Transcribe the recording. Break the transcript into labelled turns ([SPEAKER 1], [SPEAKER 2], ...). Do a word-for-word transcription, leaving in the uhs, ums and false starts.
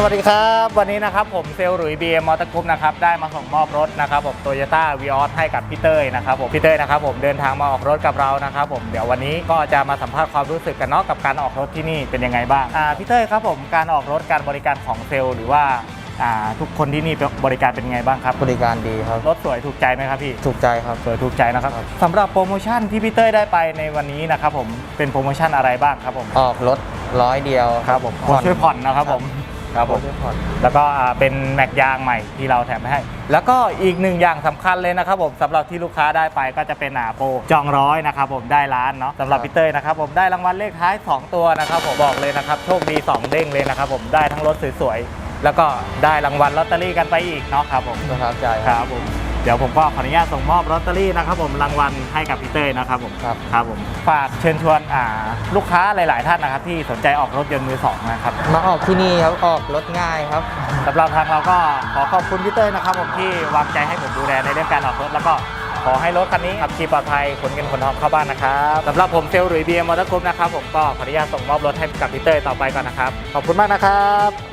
[SPEAKER 1] วัสดีครับวันนี้นะครับผมเซลล์หลุย บี เอ็ม มอเตอร์กรุ๊ปนะครับได้มาส่งมอบรถนะครับผม Toyota Vios ให้กับพี่เต้ยนะครับผมพี่เต้ยนะครับผมเดินทางมาออกรถกับเรานะครับผมเดี๋ยววันนี้ก็จะมาสัมภาษณ์ความรู้สึกกันเนาะกับการออกรถที่นี่เป็นยังไงบ้างอ่าพี่เต้ยครับผมการออกรถการบริการของเซลล์หรือว่าอ่าทุกคนที่นี่บริการเป็นยังไงบ้างครับ
[SPEAKER 2] บริการดีครับ
[SPEAKER 1] รถสวยถูกใจไหมครับพี่
[SPEAKER 2] ถูกใจครับ
[SPEAKER 1] สวยถูกใจนะครับสำหรับโปรโมชั่นที่พี่เต้ยได้ไปในวันนี้นะครับผมเป็นโปรโมชั่นอะไรบ้างครับผม
[SPEAKER 2] ออกรถร้อยเดียว
[SPEAKER 1] ครับผมช่วยผ่อนนะครับผมครับผมแล้วก็เป็นแม็กยางใหม่ที่เราแถมให้แล้วก็อีกหนึ่งอย่างสำคัญเลยนะครับผมสำหรับที่ลูกค้าได้ไปก็จะเป็นอ่าโปรจองร้อยนะครับผมได้ล้านเนาะสำหรับพี่เต้ยนะครับผมได้รางวัลเลขท้ายสองตัวนะครับผมบอกเลยนะครับโชคดีสองเด้งเลยนะครับผมได้ทั้งรถสวยๆแล้วก็ได้รางวัลลอตเตอรี่กันไปอีกเนาะครับผม
[SPEAKER 2] ประทับใจ
[SPEAKER 1] ครับผมเดี๋ยวผมก็ขออนุญาตส่งมอบลอตเตอรี่นะครับผมรางวัลให้กับพี่เต้ยนะครับผม
[SPEAKER 2] ครับ
[SPEAKER 1] ครับผมฝากเชิญชวนอ่าลูกค้าหลายๆท่านนะครับที่สนใจออกรถยนต์มือสองนะครับ
[SPEAKER 2] มาออกที่นี่ครับออกรถง่ายครับ
[SPEAKER 1] สำหรับทางเราก็ขอขอบคุณพี่เต้ยนะครับผมที่วางใจให้ผมดูแลในเรื่องการออกรถแล้วก็ขอให้รถคันนี้ขับขี่ปลอดภัยขนเงินขนทองเข้าบ้านนะครับสำหรับผมเซลล์หลุย บี เอ็ม มอเตอร์กรุ๊ปนะครับผมก็ขออนุญาตส่งมอบรถให้กับพี่เต้ยต่อไปก่อนนะครับขอบคุณมากนะครับ